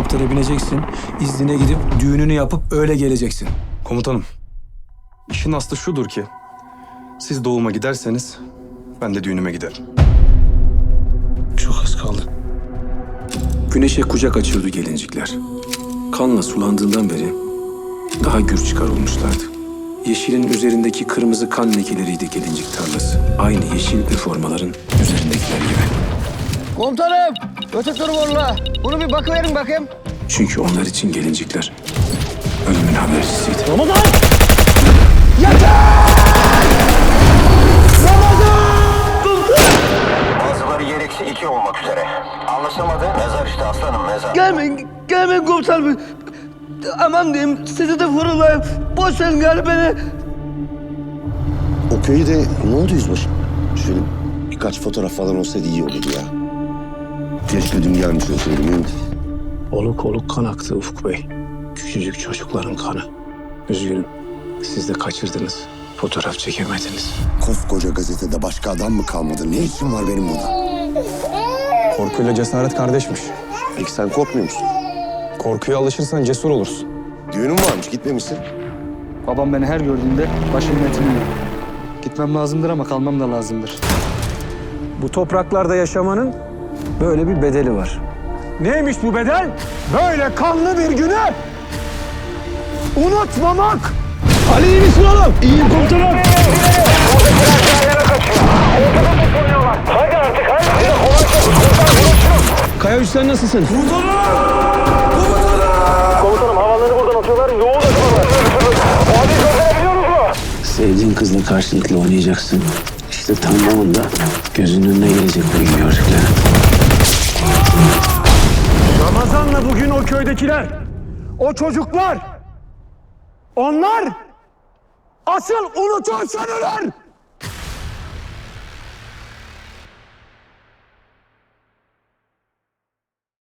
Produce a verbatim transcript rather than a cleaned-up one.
helikoptere bineceksin, iznine gidip düğününü yapıp öyle geleceksin. Komutanım, işin aslı şudur ki siz doğuma giderseniz ben de düğünüme giderim. Çok az kaldı. Güneşe kucak açıyordu gelincikler. Kanla sulandığından beri daha gür çıkar olmuşlardı. Yeşilin üzerindeki kırmızı kan lekeleriydi gelincik tarlası. Aynı yeşil üniformaların üzerindekiler gibi. Komutanım, öte dur valla. Bunu bir bakıverin bakayım. Çünkü onlar için gelincikler ölümün habercisiydi. Ramazan! Bazıları yer eksi iki olmak üzere. Anlaşılmadı. Mezar işte aslanım mezar. Gelmeyin, gelmeyin komutanım. Aman diyeyim, sizi de vurulayım. Boş verin gari beni. O köyde ne oldu yüzbaşım? Şöyle birkaç fotoğraf falan olsaydı iyi olurdu ya. Keşke dün gelmiş olsaydım. Değil mi? Oluk oluk kan aktı Ufuk Bey. Küçücük çocukların kanı. Üzgünüm. Siz de kaçırdınız. Fotoğraf çekemediniz. Koskoca gazetede başka adam mı kalmadı? Ne işim var benim burada? Korkuyla cesaret kardeşmiş. Peki sen korkmuyor musun? Korkuya alışırsan cesur olursun. Düğünün varmış, gitmemişsin. Babam beni her gördüğünde başımın etini yiyor. Gitmem lazımdır ama kalmam da lazımdır. Bu topraklarda yaşamanın böyle bir bedeli var. Neymiş bu bedel? Böyle kanlı bir günü unutmamak. Ali iyi misin oğlum? İyiyim komutanım. Kaya Üstten nasılsın? Sevdiğin kızla karşılıklı oynayacaksın. İşte tam o anda gözünün önüne gelecek bu iyi gördüklerin. Ramazan'la bugün o köydekiler, o çocuklar, onlar asıl unutursan ölür.